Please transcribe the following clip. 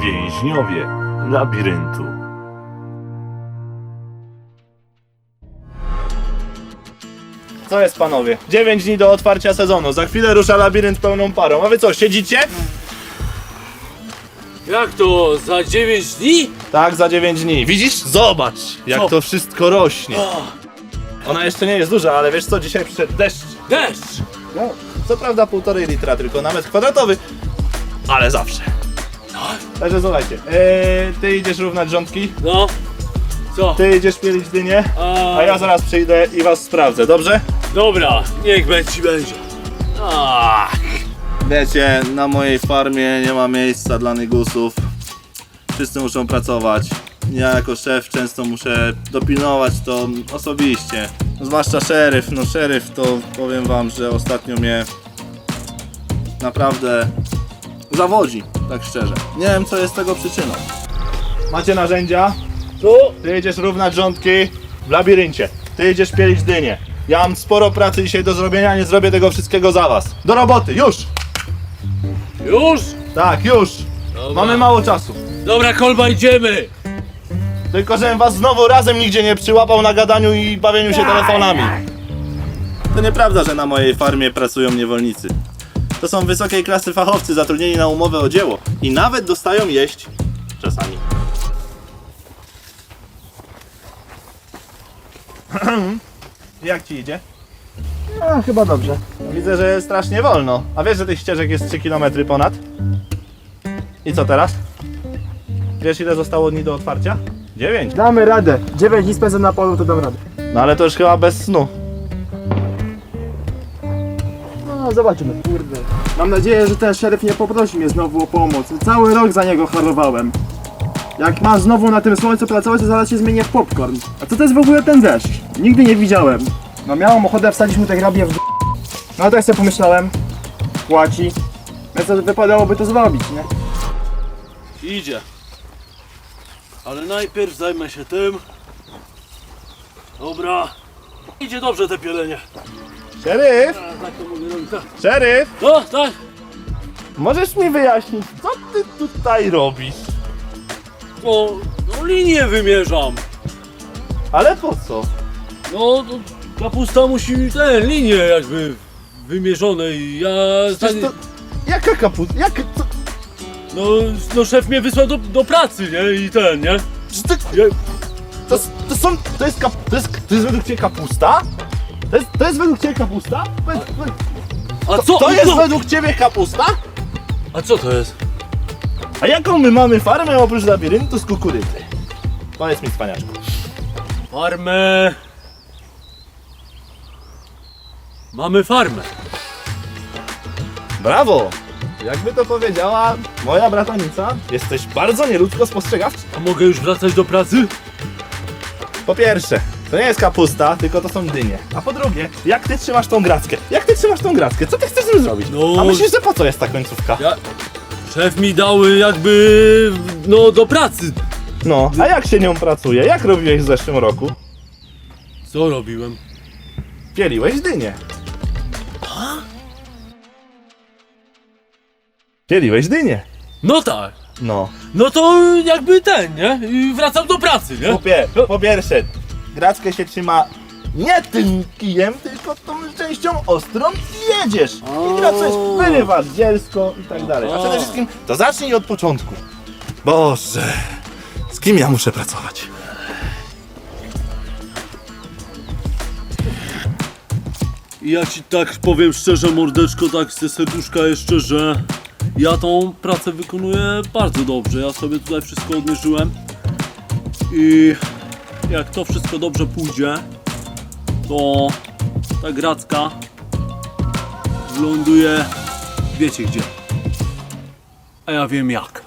Więźniowie labiryntu. Co jest, panowie? 9 dni do otwarcia sezonu. Za chwilę rusza labirynt pełną parą. A wy co, siedzicie? Jak to? Za 9 dni? Tak, za 9 dni. Widzisz? Zobacz, jak Co? to wszystko rośnie. O, Ona jeszcze nie jest duża, ale wiesz co? Dzisiaj przyszedł deszcz. deszcz! No, co prawda 1,5 litra tylko na metr kwadratowy, ale zawsze. Także słuchajcie, ty idziesz równać rządki, No, co? ty idziesz pielić dynię, a ja zaraz przyjdę i was sprawdzę, dobrze? Dobra, niech będzie. Ach, Wiecie, na mojej farmie nie ma miejsca dla nygusów. Wszyscy muszą pracować. Ja jako szef często muszę dopilnować to osobiście. Zwłaszcza szeryf. No szeryf to powiem wam, że ostatnio mnie naprawdę zawodzi, tak szczerze. Nie wiem, co jest tego przyczyną. Macie narzędzia? tu? Ty jedziesz równać rządki w labiryncie. Ty jedziesz pielić dynię. Ja mam sporo pracy dzisiaj do zrobienia, nie zrobię tego wszystkiego za was. Do roboty, już! Już? Tak, już! Dobra. Mamy mało czasu. Dobra, Kolba, idziemy! Tylko żebym was znowu razem nigdzie nie przyłapał na gadaniu i bawieniu się telefonami. To nieprawda, że na mojej farmie pracują niewolnicy. To są wysokiej klasy fachowcy zatrudnieni na umowę o dzieło i nawet dostają jeść czasami. Jak ci idzie? A, chyba dobrze. Widzę, że strasznie wolno. A wiesz, że tych ścieżek jest 3 km ponad? I co teraz? Wiesz, ile zostało dni do otwarcia? 9. Damy radę. 9 dni spędzę na polu, to dam radę. No ale to już chyba bez snu. No, zobaczymy. Kurde. Mam nadzieję, że ten szeryf nie poprosi mnie znowu o pomoc. Cały rok za niego harowałem. Jak masz znowu na tym słońcu pracować, to zaraz się zmienię w popcorn. A co to jest w ogóle ten deszcz? Nigdy nie widziałem. No miałem ochotę wsadzić mu te grabie w No ale tak sobie pomyślałem. Płaci. Więc to wypadałoby to zrobić, nie? Idzie. Ale najpierw zajmę się tym. Dobra. Idzie dobrze te pielenie. Szeryf! A, tak to mogę robić. Tak. Szeryf! No, tak. Możesz mi wyjaśnić, co ty tutaj robisz? No linię wymierzam. Ale po co? No, kapusta musi linię jakby wymierzone i ja... Przecież to... Jaka kapusta? Co? No szef mnie wysłał do pracy, nie? I nie? Ty... To jest według ciebie kapusta? To jest według ciebie kapusta? A co? To jest według ciebie kapusta? A co to jest? A jaką my mamy farmę oprócz labiryntu z kukurydzy? Powiedz mi, cwaniaczku. Farmę... Mamy farmę. Brawo! Jakby to powiedziała moja bratanica, jesteś bardzo nieludzko spostrzegawczy. A mogę już wracać do pracy? Po pierwsze, to nie jest kapusta, tylko to są dynie. A po drugie, jak ty trzymasz tą grackę? Jak ty trzymasz tą grackę? Co ty chcesz z tym zrobić? No- A myślisz, że po co jest ta końcówka? Szef mi dał jakby... no do pracy. No, a jak się nią pracuje? Jak robiłeś w zeszłym roku? Co robiłem? Pieliłeś dynię. Pieliłeś dynię. No tak. No. No to jakby nie? I wracam do pracy, nie? Po pierwsze, grackę się trzyma nie tym kijem, tylko tą częścią ostrą i jedziesz. I gracę wyrywasz dzielsko i tak dalej. A przede wszystkim to zacznij od początku. Boże, z kim ja muszę pracować? I ja ci tak powiem szczerze, mordeczko, tak ze serduszka jeszcze, że ja tą pracę wykonuję bardzo dobrze. Ja sobie tutaj wszystko odmierzyłem i jak to wszystko dobrze pójdzie, to ta gracka wyląduje wiecie gdzie. A ja wiem jak.